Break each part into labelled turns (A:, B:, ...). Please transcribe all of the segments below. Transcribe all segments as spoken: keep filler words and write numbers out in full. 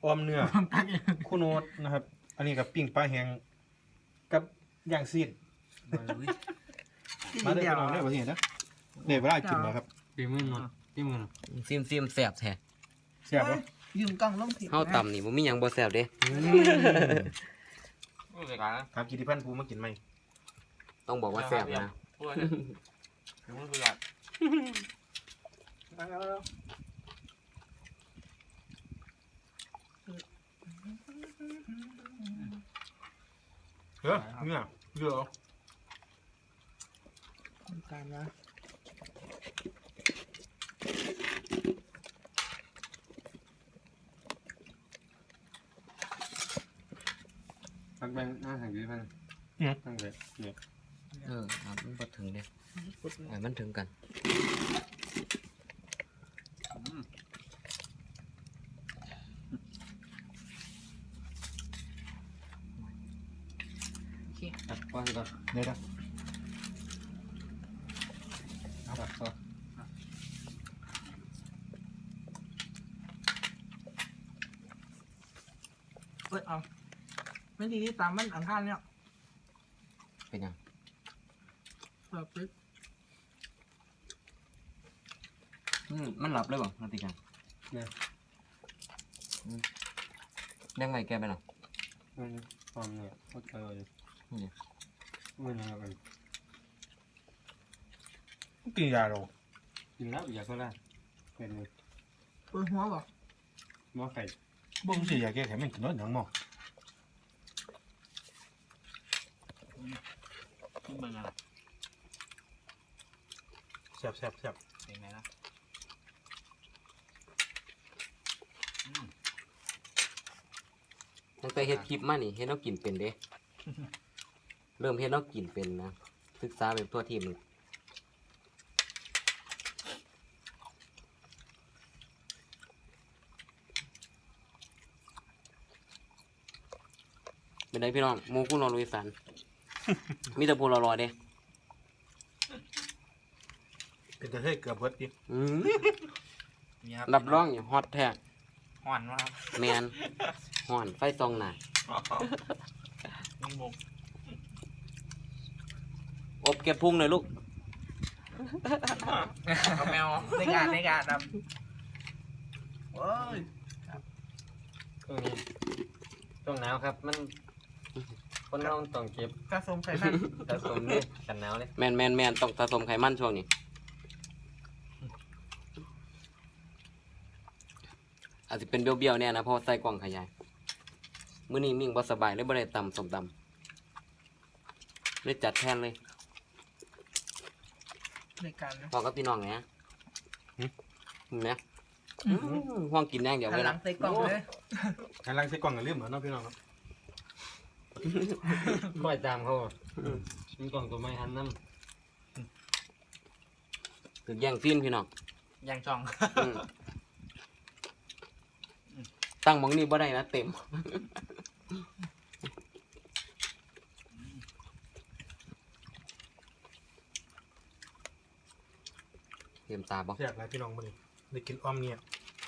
A: ออมเนื้อคู่โนดนะครับอันนี้กับปิ้งปลาแห้งกับย่างซีดมาได้พี่น้องได้ประเทศนะเดี๋ยวเวลากินแล้วครับ
B: ตีมือนตีมือ
C: ซิมซิมแสบแท้
A: แซ่บปะ
D: ยืมกล้องลงผิด
C: เฮาต่ำนี่บ่มีหยังบ่แสบเด้
B: พูดเลยกัน
A: ถามกิติพันธ์ภูมากินไหม
C: ต้องบอกว่าแสบนะ
B: พูดเลยถึงมือคือกัน
A: เฮ้ยเนี่ยเยอะ
D: การนะ
B: ตักแบงหน้าทางกิติพันธ์ตั้งแต่เนี่ย
C: เออเอามันบ่ถึงเด้ให้มันถึงกัน
B: ตัดก้อนก่อน
A: เดี๋ยวนะ
B: ตัดก้อน
D: เอ้ยเอาไม่ดีที่ตามมันอังคารเนี่ย
C: เป็นหยัง
D: เปิดปึ๊บ
C: อืมมันหลับเลยบ่นาฬิกาอืมแดงไว้แกไปหน่อย
B: มันความเนี่ยโคตรเออเลยมันอะไรกัน
A: กินยาเรา
B: กินแล้วอยากก็ได้เป็นเลย
D: เปิดหัวบ่
B: หม้อไข่
A: บ่งสิยาแก้ไขมันกินน้อยหนังหม้อ
B: เบิ่งอะไร
A: แซ่บแซ่บแซ่บ
B: เป็นไงนะ
C: ตั้งแต่เฮ็ดคลิปมานี่เฮ็ดเฮากินเป็นเด้ เริ่มเฮ็ดเฮากินเป็นนะศึกษาแบบทั่วทีมนี่เป็นไงพี่น้องหมูกุ้งรอลุยสัน มีแต่พูรอๆเด้
A: เป็นจะให้เกือบเบิดดิ
C: อืมรับรองอยู่ฮอตแท้
B: ห่อนมาก
C: แมนห่อนไฟซองหนา
B: มึงบุก
C: อบเก็บพุงหน่อยลูก
B: เอาแมว
D: ในการในการครับโอ้ย
B: ช่วงนี้ช่วงหนาวครับ มันคนเราต้องเก็บ
D: กระสมไข่มัน
B: สะสมเนี่ยกันหนาวเลย
C: แมนแมนแมนต้องสะสมไขมันช่วงนี้ อาจจะเป็นเบี้ยวๆเนี่ยนะเพราะว่าใส่กล่องขยายมื้อนี้มิ่งบ่สบายเลยบ่ได้ตำสมตำเลยจัดแทนเลย
D: ในการนะ
C: พอกับพี่น้องไงฮะเห็นไหมห่วงกินแน่งเดี๋ยว
D: หัน
C: ไว้
D: หลั
C: ละ
D: งใส่กล่องเลย
A: หันหลังใส่กล่องกับลืมเหมือนน้องพี่น้องครับ
B: บ่อยตามเขามีกล่องตัวไม้หันน้
C: ถึงแย่งซีนพี่น้อง
B: ำยางช่อง
C: อืมตั้งหมองนี้บ่ได้นะเต็ม เต็มตาบ่
A: แซ่บหลายพี่น้องมื้อนี้ได้กินอ้อมเนี่ย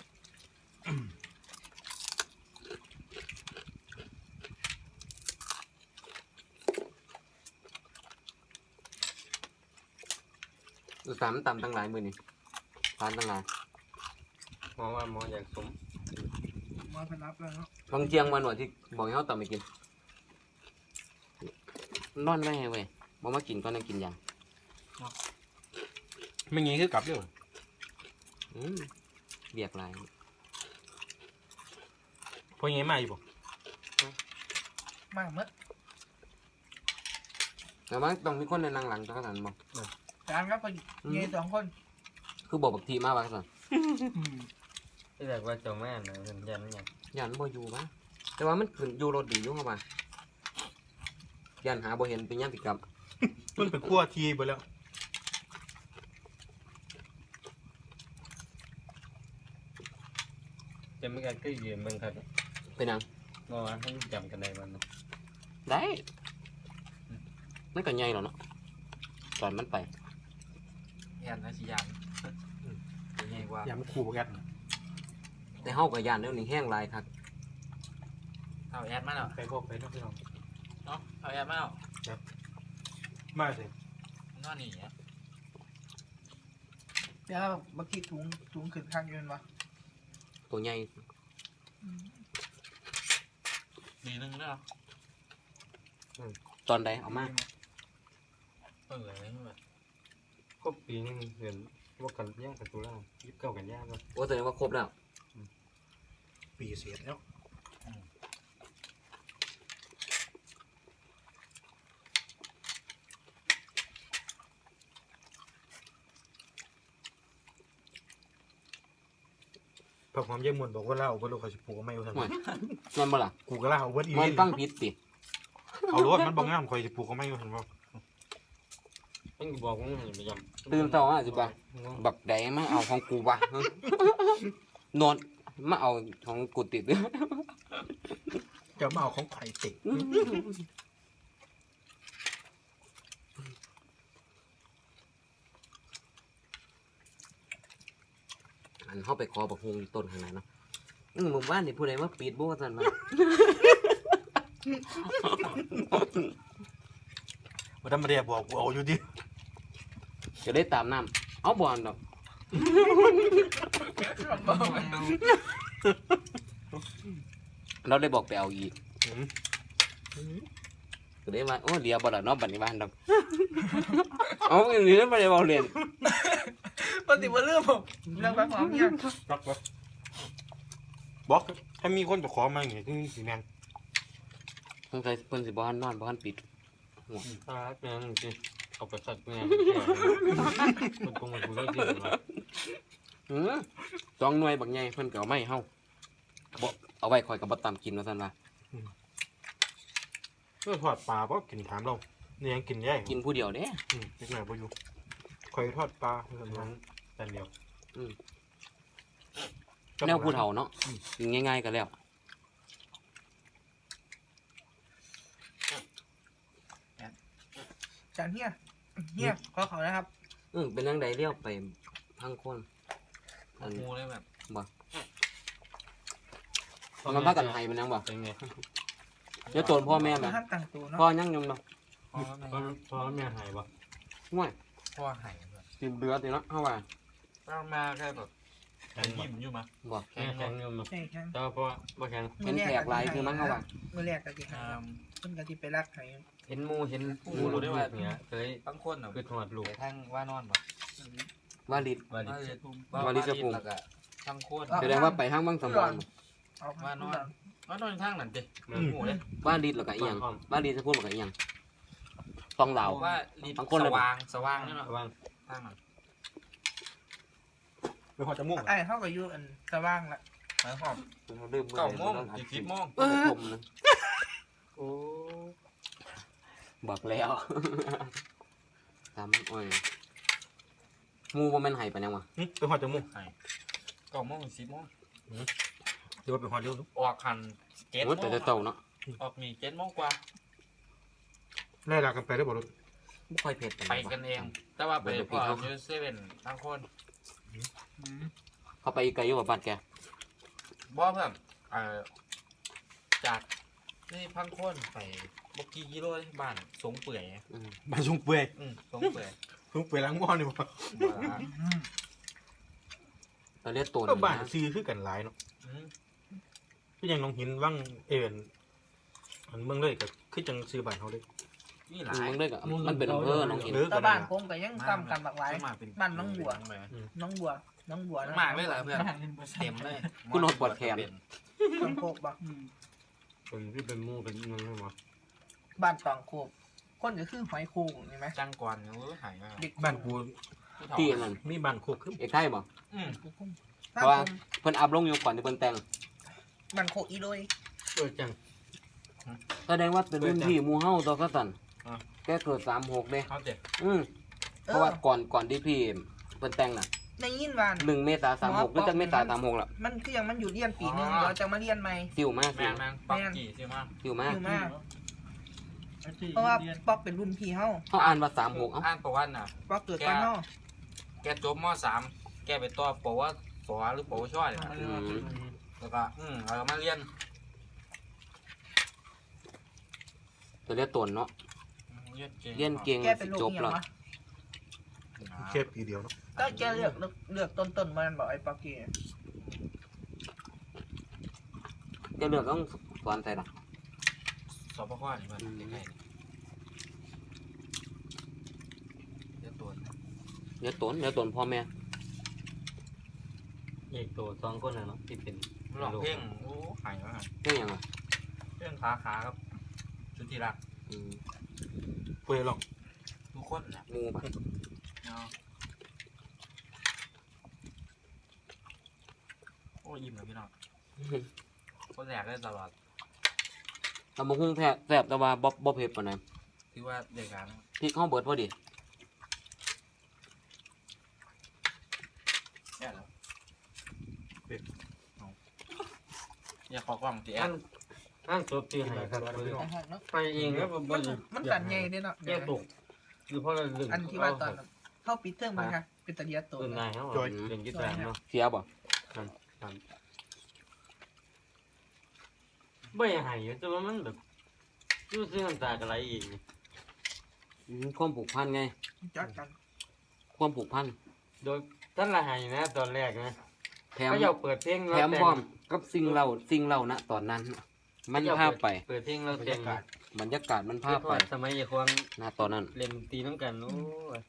C: อุตส่าห์มันต่ำตั้งหลายมือนี่ทานตั้งหลาย
B: มองว่าหมออยากสม
D: มาพนับแล้วเนาะ
C: บางเจียงวันหนวดที่บอกให้เขาต่ำไปกิน นอนไว้ให้เว้ยบอกมากินก็นั่งกินอย่าง
A: ไม่งี้คือกลับเด้อ
C: อืมเบียกหลาย
A: พองี้มาอยู่บ่
D: มากเมื่อ
C: แต่ว่าต้องมีคนในนั่งหลังจักรสันบอก
D: การครับไปเยี่สองคน
C: คือบอกบักทีมาว่าสัน
B: ที่แรกว่าเจ้าแม่นะเห็นยันยัง
C: ยันบ่อยู่มะแต่ว่ามันขึ้นอยู่รถดีอยู่เข้ามายันหาบ่เห็นเป็นย่ามปิดกับ
A: มันเป็นขั้วทีไปแล้ว
B: จะไม่กันก็ยืมมึงครับ
C: เป็นหยัง
B: เมื่อวานให้จำกันได้วันนะ
C: ได้มันก็ใหญ่หรอเนาะตอนมันไป
B: ยันนะชิยันยังไงว่า
A: อย่ามันขู่กัน
C: แต่เฮากับยานเดี๋ยวนี้แห้งหลายครับ
D: เอาแอดมาแล้ว
A: ไปพบไปน้องพี่น้อง
D: เนาะเอาแอดมาแล้ว
A: มาสิ
D: นอนนี่อ่ะเดี๋ยวเมื่อกี้ถุงถุงขึ้นข้างยืนวะ
C: ตัวใหญ่
D: ดีนึงแล้ว
C: ตอนใดเอามา
D: เอออะไรแบบ
B: ก็ปีนึงเห็นว่ากันย่างกันตุลายี่สิบเก้ากันย่างก็
C: โอ้แสดงว่าครบแล้ว
A: ปีเสียแล้ว พระความเยี่ยมมวลบอกว่าเล่าว่าลูกเขาจะปลูกเอาไม่เอาทำไม
C: ห่วยแม่นบ่ล่ะ
A: กูก็เล่าเอาเวิร์ดอี
C: มัน
A: นี่
C: ฟังผิดติ
A: เอารถมันบางงามคอยจะปลูกเอาไม่เอาทำไม
B: มันบอกว่ามันไม่ยำ
C: ตื่นเช้ามาสิบ่ะบักใดมาเอาของกูวะ นอนมาเอาของกูติด
A: จะมาเอาของไข่ติด
C: อันเข้าไปขอบักฮวงอยู่ต้นขางในาดเนาะอืมหมู่บ้านนี่ผู้ใดมาปิดบ่ว่าซั่นมา
A: วันนั้นมาเรียบอกกูเอาอยู่ดิ
C: จะได้ตามน้ำเอาบ่อนดอก เราได้บอกไปเอาอีกก็ได้ว่าโอ้เดียวบ่ล่ะเนาะบัดนี้บ้านดอก เอาอีหลีบ่ได้เว้าเล่น
D: ปฏิบัติเรื่องผมเรื่องแบบของยัง
A: รักวะบอกถ้ามีคนไปขอมาอย่างเงี้ยที่สีแมน
C: สงสัยเพิ่นสิบ่ทันนอนบ่ทันปิด
B: ตาแม่งจริงเอาไปสัตว์แม่งมันคงมันกูได้จริงวะ
C: หือสองหน่วยบักใหญ่เพิ่นก็เอามาให้เฮาบ่เอาไว้ข่อยก็บ่ตามกินว่าซั่นว่า
A: เพื่อทอดปลาเพราะกินถามเราเนี่ยยังกินแย่
C: กินผู้เดียวเด้
A: อืมเล็กหน่อยพออยู่คอยทอดปลาเพื่อนนั้นแต่เดียว
C: แนวผู้เฒ่าเนาะกินง่ายๆก็แล้ว
D: จานเฮียเฮียขอเขานะครับ
C: อือเป็นจังไดเลี้ยวไปพังคนอัน
D: งูเลยแบบ
C: บ่มันพากันให้มันยังบ่
B: เป็นไง
C: เดี๋ยวโตนพ่อแม่แม่
D: ห้ามตั้งตัวเนาะ
C: พ่อยังยมเนาะ
D: พ่อ
B: พอพอแม่หายปะ
C: ห่วย
D: พ่อหายแบบ
C: สิเบื่อติเนาะเฮาว่า
D: ต้องมาแค่แบบ
B: แข็
D: เป็น
B: ง
D: ยิ้มอยู่มั้ย
C: บ่
B: แข็งแข็งเงินมา
D: ใช่ครับ
B: เจ้าเพราะว่าแข็ง
C: เห็นแขกหลายคือมั้งเฮาว่า
D: เมื่อแรกก็ที่หาเพิ่นก็ที่ไปรักไห้
B: เห็นมูเห็นมูรู้ได้ว่าเนี่ยเคย
E: บางคนเนาะ
B: คือถอดลูก
E: ไปทางว่านอนบ่
C: ว่าลิด
B: ว่าดิ
E: ว่าจะ
C: ว่าลิจะปรุง
E: แล้วก็ทางโคน
C: แสดงว่าไปห้างบางสำรอน
D: เอา
E: ว่านอนว่านอนทางนั้นติ
B: มัน
E: หมูเลย
C: ว่าลิดแล้วก็อีหยังว่าลิดจะพูดแล้วก็อีหยังฟองเหลา
E: เพราะว่าลิ
C: บางคนเลย
E: สว่างสว่างนี่เนาะ
B: ว่าง
E: ทางนั้น
A: ไปพอจะม่วง
D: ไอ้เฮาก็อยู่อันสว่างละ
E: หมายความ
C: ลืม
E: เก้าโมงอีกสิบโมง
C: เออผมนะ
B: โอ้
C: บอกแล้วตามโอ้ยหมูบ่แม่นไห้ปานยังวะ
A: ไปพอจะม่วง
E: เก้าโมงสิบโมง
A: เดี๋ยวไปพอเดียวดู
E: ออกคันเจ็ด
C: โอ้
E: โม
C: แต่
E: ง
C: จะเต่าเนาะ
E: ออกนี่เจ็ดโมงกว่า
A: ไล่ลากันไปได้บ่รถ
C: บ่ค่อยเผ็ด
E: ไปกันเอง แต่ว่าไปพออยู่เซเว่นทางโคน
C: เขาไปอีกไกลอยู่บ่บ้านแก
E: บ่เพิ่มเอ่อจากนี่พังโคนไปบ่กี่กิโลเลยบ้านสงเปื่อย
C: อืม
A: บ้านซุงเปื่อย
E: อืมสงเปื่อย
A: ซุงเปื่อยล้างหม้อนี่บ่
E: บ่ละ
C: เราเรียกตัว
A: ก็
C: นะ
A: บ้านซื้อคือกันหลายเนาะ
E: อืม
A: ก็ยังน้องหินว่างเอ็นอันเมืองเลยก็คือจังซื้อบ้านเขาเลย
E: นี่ห
C: อื
E: ลาม ย
C: มึงได้กับมันเป็นอำเภอน้องเห็น
A: เออ
D: แต่
A: ก็
D: บ้า
A: ได้
D: นผมก็ยังกำกันหลากหลาย
E: มาเป็น
D: บ้านน้องบัว น้องบัว น้องบัวนะ
E: มากเลยเหรอเพื่อนเต็มเลย
C: คุณโนดปวดแขน
D: ตองโคกบ่
B: เป็นที่เป็นมูเป็นเงินใช่ไหม
D: บ้านตองโคกคนก็คือหอยโข่งเห็นไหม
E: จังกวนเออหายมาก
D: เด็ก
A: บ้านกู
C: ที่นั่น
A: มีบ้านโคกคือ
C: เอกไทยบ่
E: อืม
D: ถ้า
C: เพราะว่า
D: ผม
C: เพิ่นอัพลงอยู่ก่อนที่เพิ่นแต่ง
D: บ้านโคกอีโดย
B: เออจัง
C: แสดงว่าเป็นรุ่นพี่หมู่เฮาตัวก็สั่นแกเกิดสามหกเด้
E: เขาเจ็บ
C: อืมเพราะว่าก่อนก่อนที่พี่เพิ่นแต่งน่ะ
D: ในยินบ้าน
C: หนึ่งเมษาสามหกหรือจักเมษาสามหกล่ะ
D: มันคือยังมันอยู่เรียนปีนึงเดี๋ยวจะมาเรียนใหม่
C: ซิวมาก
E: แม
C: ซิว
E: งแมงปักกี่ใช่ไหม
C: ซิวมาก
D: อยู่มาก เพราะว่าป๊อกเป็นรุ่นพี่เฮา
C: เขาอ่านว่าสามหกเอ้า
E: อ่านประวัติน่ะ
D: ป๊อกเกิดก่อนเฮา
E: แกจบมสามแกไปต่อปวสหรือปวชเนี่ย
C: อืม
E: แล้วก็อืมเรามาเรียน
C: ตัวเรียกตนเนาะ
E: เรียนเก่ง
C: เรียนเก่ง
D: แกเป็นลูก
C: จบ
D: เหี่ย
C: แล้ว
D: วะ
A: แค่ปีเดียวเนาะ
D: ก็แกเลือกเลือกเลือกต้นต้นๆมันบอกไอ้ปากี
C: จะเลือกต้องสอนใส่ละ
E: สปข้อนี่มันใกล้ๆเรียนตัว
C: เรียกตนเรียกตนพ่อแม่
B: เอกตัวสองคนน่ะเนาะที่เป็น
E: หลอกเพ่งโอ้หายมาก
C: เรื่องหยังอ่ะ
E: เพ่งขาขาครับชุดที่รัก
C: อืม
A: เพื่อลอง
E: ทุกคนนะ
C: งูปะ
E: เนาะโอ้ยิ้มเลยพี่น้องคนแรกได้ตลอด
C: ตำบักหุ่งแท้แซ่บแต่ว่าบ่บ่เผ็ดปานใด
E: ที่ว่าเด็กกัน
C: พริกเฮาเบิดพอดี
E: แย่แล้วอย่าขอกล้องตีแอ
B: อั
E: น
B: นอันศพที่ให้ครับ
D: ไอ้ห้องเนาะ
B: ไปเองแล้วบ่
D: มัน
B: ได้
D: มันตันใหญ่เด้เนาะ
B: แยกตกคือเพราะเราเรื่อง
D: อันที่ว่าตอนเข้าปิดเทอมมันค่ะเป็นตะเลียตัว
B: เออนายเฮาเรื่องยึดตามเนาะ
C: เสียบ่
B: บ่อยากให้อยู่แต่ว่ามันแบบรู้สึกน้ำตาก็ไหลเองนี่
C: อืมความผูกพันไง
D: จักกัน
C: ความผูกพัน
B: โดยท่านละให้นะตอนแรกนะ
C: แถม
B: เขาอยากเปิดเพลง
C: แถมพร้อมกับสิ่งเราสิ่งเราณตอนนั้น มันพาไป
B: เปิดเพลงเราแต่ง
C: บรรยากาศมัน
B: ภา
C: พา
B: พ
C: ไป
B: สมัยอย่าควง
C: ณตอนนั้น
B: เล่นตีน้ำกันโอ้ย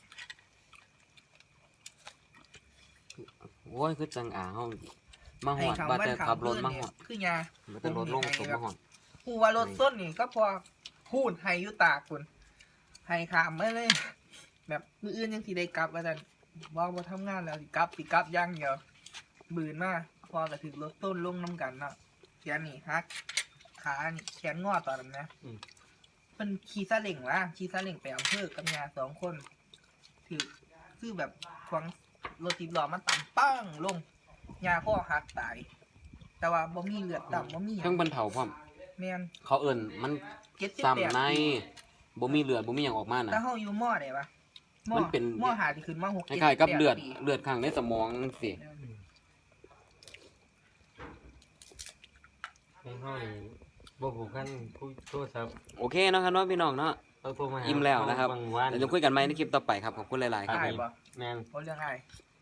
C: โอ้ยคือจังอ่าเฮามาห
D: ไอ้
C: อด
D: คำ
C: ว่า
D: ว่า
C: แต่
D: ขั
C: ขั
D: บบ ร
C: ร
D: ถ
C: ถ
D: มา
C: มา
D: ห
C: ห
D: อ
C: อ
D: ด
C: ด
D: คือยา
C: มาแต่รถลงตกมาหอด
D: กูว่ารถส้นนี่ก็พอพูดให้ยุตาคุณให้ขามมาเลย แบบมืออื่นยังสิได้กลับว่าแต่ว่าบ่ทำงานแล้วสิกลับสิกลับอย่างเดียวบืนมากพอก็ถึงรถต้นลงน้ำกันเนาะแขนนี่ฮักขานี่แขนงอตอนนั้นนะเป็นขี่ซาเล้งละขี่ซาเล้งไปอำเภอกับยาสองคนถือคือแบบขวางรถติดล้อมันต่ำปั้งลงยาข้อหักตาย แต่ว่าบ่มีเลือดต่ำบ่มีหยั
C: เครื่อง
D: ง
C: บรรเทาพร้อม
D: แม่น
C: เขาเอิ้นมัน
D: เจ็ดสิบแปด
C: ซ้ำใน
D: ปี
C: บ่มีเลือดบ่มีหยังออกมาน่ะ
D: ถ้าเฮาอยู่มอได้ปะมอ
C: มันเป็น
D: มอหาที่ขึ้นมาหก
C: ค
D: เจ็ด
C: ล้ายๆกับ
D: แปด
C: เลือด
D: ปี
C: เลือดข้างในสมองจังซี่
B: ให้ห้อยบ่ผูกพันผู้โทรศัพท์
C: โอเคเนาะครับเนาะพี่น้องเนาะ
B: เราโทรมาหา
C: อิ่มแล้วนะครับ
B: บางวัน
C: เดี๋ยวจะคุยกันใหม่ในคลิปต่อไปครับขอบคุณหลายๆครับ
D: อ้าย
C: ผม
D: บ่
B: แม่น
D: บ่เรื่องอ้าย